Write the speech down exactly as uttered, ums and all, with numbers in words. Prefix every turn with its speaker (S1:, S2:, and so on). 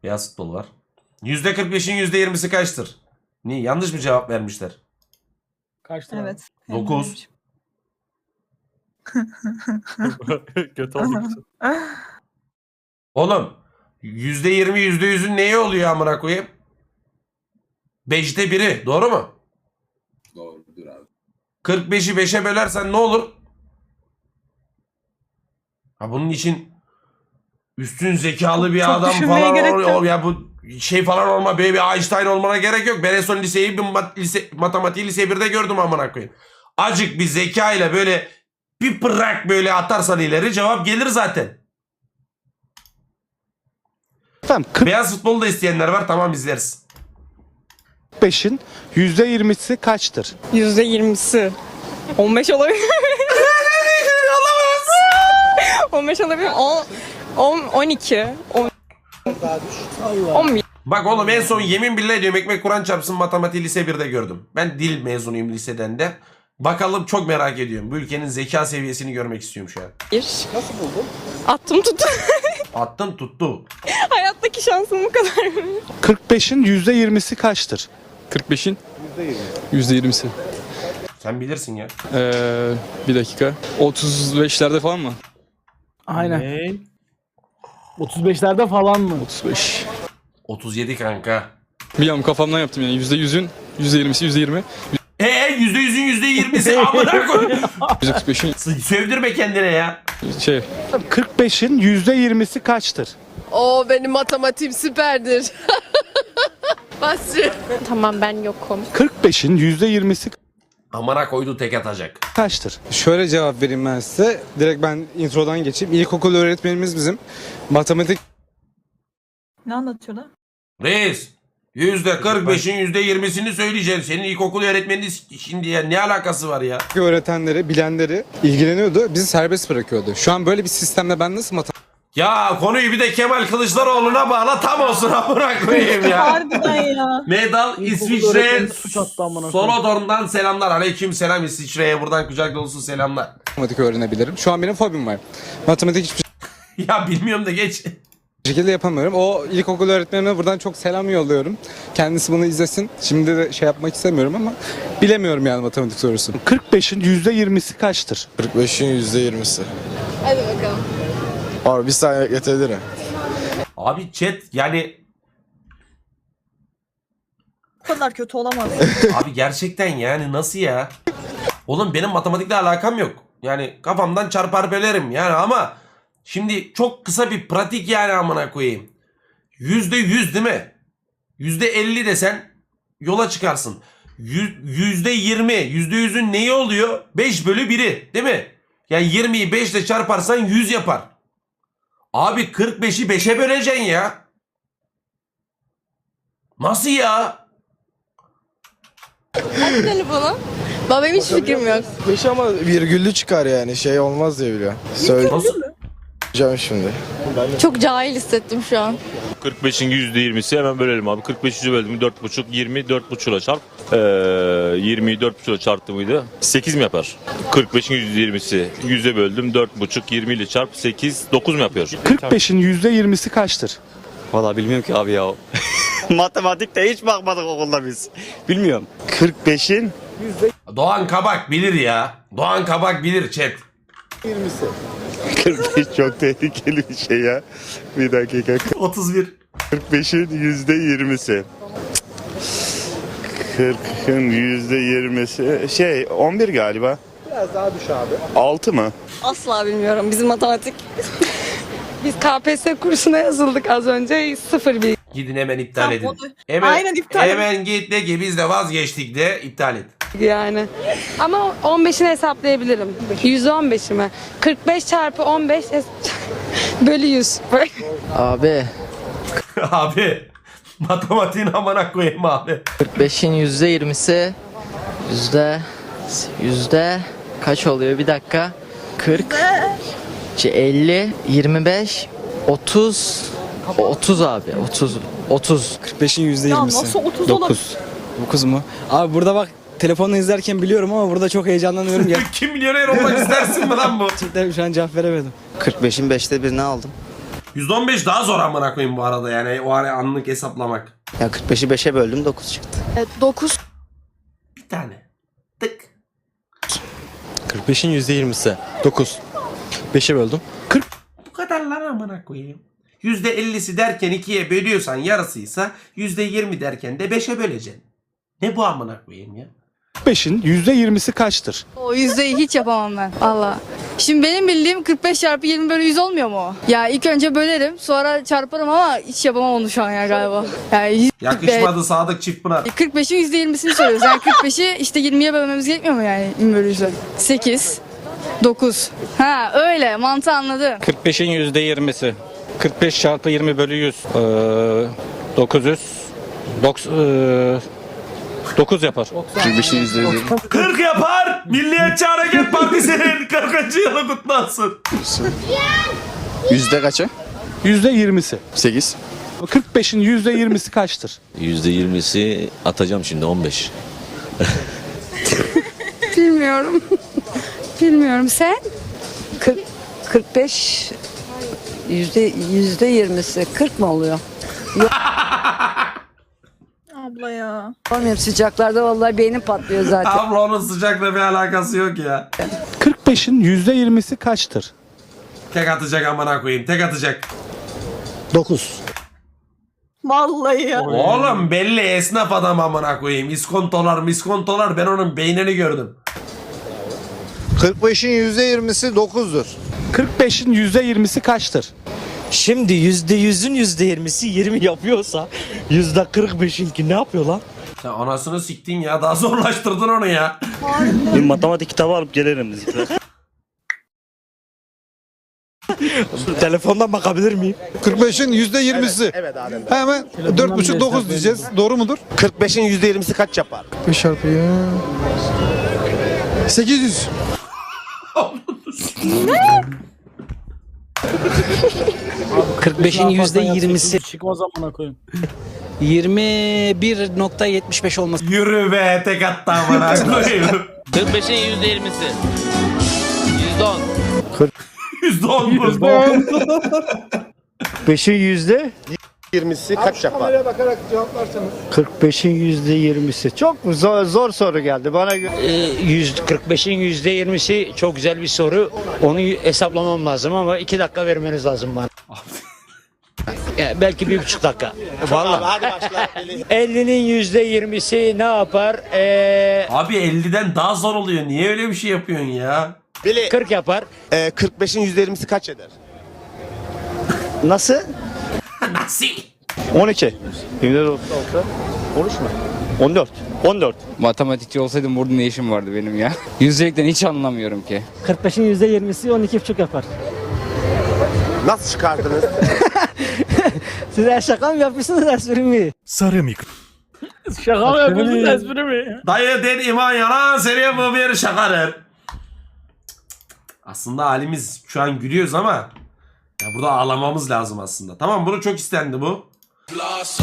S1: Beyaz futbol var. yüzde kırk beşin yüzde yirmisi kaçtır? Niye? Yanlış mı cevap vermişler?
S2: Kaçtı?
S3: Evet.
S1: dokuz.
S2: Kötü olduk.
S1: Oğlum yüzde yirmi yüzde yüzün neye oluyor amına koyayım? beşte biri. Doğru mu?
S4: Doğrudur abi.
S1: kırk beşi beşe bölersen ne olur? Ha bunun için üstün zekalı
S3: Çok-
S1: bir
S3: çok
S1: adam
S3: düşünmeye
S1: falan
S3: gerek
S1: ol,
S3: yok.
S1: ol- ya bu şey falan olma, böyle bir Einstein olmana gerek yok. Ben en son liseyi bir mat, lise, matematiği lise birde gördüm amına koyayım. Acık bir zeka ile böyle bir pırrak böyle atarsan ileri cevap gelir zaten.
S5: Efendim kırk
S1: Beyaz futbolu da isteyenler var, tamam izleriz.
S5: beşin yüzde yirmisi kaçtır?
S6: Yüzde yirmisi. On beş olabilir. On beş olabilir. On, on, on iki. On, on bir.
S1: Bak oğlum en son yemin billahi diyorum ekmek Kur'an çarpsın matematiği lise birde gördüm. Ben dil mezunuyum liseden de. Bakalım, çok merak ediyorum. Bu ülkenin zeka seviyesini görmek istiyorum şu an.
S6: Nasıl buldun? Attım tuttu.
S1: Attın tuttu.
S6: Hayattaki şansım bu kadar.
S5: kırk beşin yüzde yirmisi kaçtır?
S7: kırk beşin yüzde yirmisi.
S1: Sen bilirsin ya.
S7: Ee, bir dakika. otuz beşlerde falan mı?
S2: Aynen. Ne? otuz beşlerde falan mı?
S7: otuz beş.
S1: otuz yedi kanka.
S7: Bir an kafamdan yaptım yani. yüzde yüzün yüzde yirmisi, yüzde yirmi.
S1: Eee yüzde yüzün yüzde yirmisi amına koy.
S7: yüzde kırk beşin
S1: Sövdürme kendine ya.
S7: şey.
S5: kırk beşin yüzde yirmisi kaçtır?
S8: Oo benim matematiğim süperdir. Basri.
S6: Tamam ben yokum.
S5: kırk beşin yüzde yirmisi
S1: Amına koydu tek atacak.
S5: kaçtır?
S9: Şöyle cevap vereyim ben size. Direkt ben introdan geçeyim. İlkokul öğretmenimiz bizim. Matematik
S3: Ne anlatıyorlar?
S1: Reis. Yüzde kırk beşin yüzde yirmisini söyleyeceğim. Senin ilkokul öğretmeninin şimdi ya ne alakası var ya?
S9: öğretenleri, bilenleri ilgileniyordu. Bizi serbest bırakıyordu. Şu an böyle bir sistemde ben nasıl matematik
S1: Ya konuyu bir de Kemal Kılıçdaroğlu'na bağla, tam olsun amına koyayım ya.
S3: Harbiden ya.
S1: Medal
S2: İlkokul
S1: İsviçre
S2: öğretmeni suç attı amına koyayım.
S1: Solodorn'dan selamlar. Aleyküm selam İsviçre'ye, buradan kucak dolusu selamlar.
S9: öğrenebilirim? Şu an benim fobim var. Matematik hiçbir
S1: Ya bilmiyorum da geç.
S9: şekilde yapamıyorum. O ilkokul öğretmenime buradan çok selam yolluyorum. Kendisi bunu izlesin. Şimdi de şey yapmak istemiyorum ama bilemiyorum yani matematik sorusu.
S5: kırk beşin yüzde yirmisi kaçtır?
S10: kırk beşin yüzde yirmisi.
S8: Hadi bakalım.
S10: Abi bir saniye bekletebilirim.
S1: Abi chat yani
S3: Bu kadar kötü olamaz.
S1: abi gerçekten yani nasıl ya? Oğlum benim matematikle alakam yok. Yani kafamdan çarpar bölerim yani ama şimdi çok kısa bir pratik yani amına koyayım. Yüzde yüz değil mi? Yüzde elli desen yola çıkarsın. Yüz- Yüzde yirmi, yüzde yüzün neyi oluyor? Beş bölü biri değil mi? Yani yirmiyi beş ile çarparsan yüz yapar. Abi kırk beşi beşe böleceksin ya. Nasıl ya?
S8: Aç telefonu. Baba benim hiç fikrim yok.
S10: beş ama virgüllü çıkar yani şey olmaz diye biliyorum. Söyleyeceğim şimdi.
S8: Çok cahil hissettim şu an.
S11: kırk beşin yüzde yirmisi hemen bölelim abi. kırk beşi böldüm dört buçuk, yirmi dört buçukla çarp. Ee, yirmiyi dört buçukla çarptı mıydı? sekiz mi yapar? kırk beşin yüzde yirmisi yüze böldüm dört buçuk, yirmi ile çarp sekiz, dokuz mu yapıyor?
S5: kırk beşin yüzde yirmisi kaçtır?
S12: Valla bilmiyorum ki abi ya. Matematikte hiç bakmadık okulda biz. Bilmiyorum. kırk beşin
S1: Doğan Kabak bilir ya. Doğan Kabak bilir chat.
S12: kırk beş çok tehlikeli bir şey ya. Bir dakika.
S1: otuz bir.
S12: kırk beşin yüzde yirmisi. kırkın yüzde yirmisi. Şey on bir galiba.
S5: Biraz daha düş abi.
S12: altı mı?
S6: Asla bilmiyorum. Bizim matematik. Biz K P S S kursuna yazıldık az önce. Sıfır bir.
S1: Gidin hemen iptal
S3: Tamam,
S1: edin.
S3: o da-
S1: Hemen,
S3: Aynen, iptal edin.
S1: Hemen git de ki biz de vazgeçtik de iptal et.
S6: Yani.
S13: Ama on beşini hesaplayabilirim. yüz on beşi mi? kırk beş çarpı on beş es- bölü yüz.
S4: Abi
S1: Abi matematiğin amına koyayım abi.
S4: kırk beşin yüzde yirmisi yüzde yüzde kaç oluyor bir dakika? kırk, elli, yirmi beş, otuz, otuz abi otuz, otuz.
S9: kırk beşin yüzde
S3: Ya
S9: yirmisi.
S3: nasıl otuz olabilir?
S9: dokuz. dokuz mu? Abi burada bak telefonla izlerken biliyorum ama burada çok heyecanlanıyorum ya.
S1: Kim milyoner olmak istersin mi lan bu?
S9: Gerçekten şu an cevap veremedim.
S12: kırk beşin beşte birini aldım.
S1: yüzde on beş daha zor amına koyayım bu arada yani o ara anlık hesaplamak.
S4: Ya kırk beşi beşe böldüm dokuz çıktı.
S8: Evet, dokuz.
S1: Bir tane. Tık.
S12: kırk beşin yüzde yirmisi. dokuz. beşe böldüm.
S1: Bu kadar lan amına koyayım. yüzde ellisi derken ikiye bölüyorsan yarısıysa yüzde yirmi derken de beşe böleceksin. Ne bu amına koyayım ya?
S5: kırk beşin yüzde yirmisi kaçtır?
S8: O yüzdeyi hiç yapamam ben. Valla. Şimdi benim bildiğim kırk beş çarpı yirmi bölü yüz olmuyor mu o? Ya ilk önce bölerim sonra çarparım ama hiç yapamam onu şu an ya galiba. Yani
S1: Yakışmadı Sadık Çiftpınar.
S8: kırk beşin yüzde yirmisini soruyoruz. Yani kırk beşi işte yirmiye bölmemiz gerekmiyor mu yani yirmi bölü yüze? sekiz, dokuz. Ha öyle mantığı anladım.
S12: kırk beşin yüzde yirmisi. kırk beş çarpı yirmi bölü yüz. Ee, dokuz yüz. dokuz yapar.
S5: kırk beşin yüzde yirmi.
S1: kırk yapar. Milliyetçi Hareket Partisi'nin kırkıncı yılı kutlu olsun.
S10: Yüzde kaçı?
S5: yüzde yirmisi.
S10: sekiz.
S5: kırk beşin yüzde yirmisi kaçtır?
S11: yüzde yirmisi atacağım şimdi on beş.
S13: Bilmiyorum. Bilmiyorum sen?
S6: kırk beş yüzde yüzde yirmisi kırk mı oluyor?
S3: Abla ya.
S6: Bilmiyorum, sıcaklarda vallahi beynim patlıyor zaten.
S1: Abla onun sıcakla bir alakası yok ya.
S5: kırk beşin yüzde yirmisi kaçtır?
S1: Tek atacak amına koyayım. Tek atacak.
S2: dokuz.
S3: Vallahi ya.
S1: Oğlum belli esnaf adam amına koyayım. İskontolar miskontolar ben onun beynini gördüm.
S10: kırk beşin yüzde yirmisi dokuzdur.
S5: kırk beşin yüzde yirmisi kaçtır?
S12: Şimdi yüzde yüzün yüzde yirmisi yirmi yapıyorsa yüzde kırk beşinki ne yapıyor lan?
S1: Sen anasını siktin ya. Daha zorlaştırdın onu ya.
S12: Bir matematik kitabı alıp gelirim. Telefondan bakabilir miyim?
S10: kırk beşin yüzde yirmisi. Evet, evet abi. Hemen dört buçuk dokuz diyeceğiz. Doğru mudur? kırk beşin yüzde yirmisi kaç yapar? beş çarpı ya. sekiz yüz.
S2: kırk beşin yüzde yirmisi. Çık o zamana koyayım. yirmi bir nokta yetmiş beş olması.
S1: Yürü be tek attı amına koyayım.
S12: kırk beşin yüzde yirmisi. yüzde on.
S1: yüzde on mu?
S12: beşin yüzde
S10: yirmisi kaç yapar? Kameraya bakarak cevaplarsanız.
S12: kırk beşin yüzde yirmisi. Çok zor, zor soru geldi bana göre. Ee, kırk beşin yüzde yirmisi çok güzel bir soru. Onu hesaplamam lazım ama iki dakika vermeniz lazım bana. Ya, belki bir buçuk dakika. Vallahi.
S10: Hadi başla.
S12: ellinin yüzde yirmisi ne yapar? Ee,
S1: Abi elliden daha zor oluyor. Niye öyle bir şey yapıyorsun ya?
S10: Bili.
S12: kırk yapar.
S10: Ee, kırk beşin yüzde yirmisi kaç eder?
S12: Nasıl?
S1: Nasıl?
S12: on iki. yirmi dört olsa on üç mü? on dört. on dört.
S9: Matematikçi olsaydım burada ne işim vardı benim ya? Yüzdelikten hiç anlamıyorum ki.
S2: kırk beşin yüzde yirmisi on iki buçuk yapar.
S10: Nasıl çıkardınız?
S2: Siz her şaka mı yapmışsınız espri mi?
S9: Sarı mikro.
S2: Şaka mı yapıyorsunuz espri mi?
S1: Dayı der iman yalan seriye bu bir şakadır. Aslında halimiz şu an gülüyoruz ama ya burada ağlamamız lazım aslında. Tamam bunu çok istendi bu.